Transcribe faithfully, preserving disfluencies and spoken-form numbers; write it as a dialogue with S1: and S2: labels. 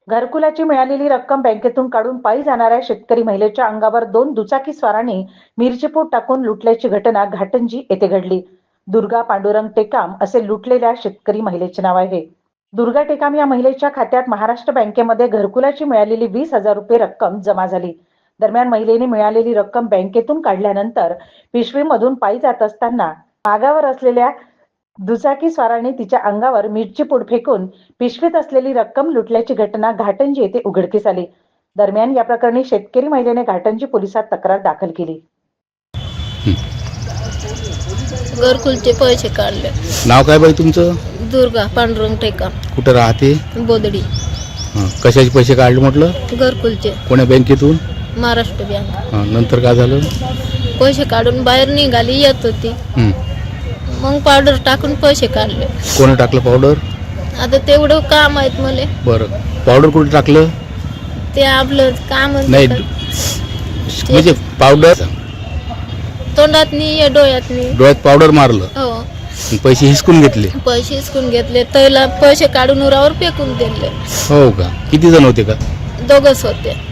S1: घरकुलाची मिळालेली रक्कम बँकेतून काढून पायी जाणाऱ्या शेतकरी महिलेच्या अंगावर दोन दुचाकी स्वारांनी मिरचीपूड टाकून लुटल्याची घटना घाटंजी येथे घडली. दुर्गा पांडुरंग टेकाम असे लुटलेल्या शेतकरी महिलेचे नाव आहे. दुर्गा टेकाम या महिलेच्या खात्यात महाराष्ट्र बँकेमध्ये घरकुलाची मिळालेली वीस हजार रुपये रक्कम जमा झाली. दरम्यान महिलेने मिळालेली रक्कम बँकेतून काढल्यानंतर पिशवीमधून पायी जात असताना मागावर असलेल्या दुचाकी स्वाराने तिच्या अंगावर मिरची पूड फेकून पिशवीत असलेली रक्कम लुटल्याची घटना घाटंजी येथे उघडकीस आली. दरम्यान या प्रकरणी शेतकरी महिलेने घाटंजी पोलिसात तक्रार दाखल केली.
S2: घरकुलचे पैसे काढले.
S3: नाव काय बाई तुमचं?
S2: दुर्गा पांडुरंग टेकाम.
S3: कुठं राहते?
S2: बोदडी.
S3: हं, कशाचे पैसे काढले म्हटलं?
S2: घरकुलचे.
S3: कोण्या बँकेतून?
S2: महाराष्ट्र बँक.
S3: हं, नंतर काय झालं?
S2: पैसे काढून बाहेर निघाली येत होती.
S3: हं,
S2: मग पावडर टाकून पैसे काढले.
S3: कोणी टाकलं पावडर?
S2: आता तेवढं काम आहेत मला.
S3: बरं, पावडर कुठे टाकलं?
S2: ते आपलं काम
S3: नाही म्हणजे पावडर
S2: तोंडात नाही डोळ्यात नाही.
S3: डोळ्यात पावडर मारलं,
S2: हो.
S3: पैसे हिसकून घेतले.
S2: पैसे हिसकून घेतले. त्याला पैसे काढून उरावर फेकून दिले.
S3: हो का? किती जण होते का?
S2: दोघच होते.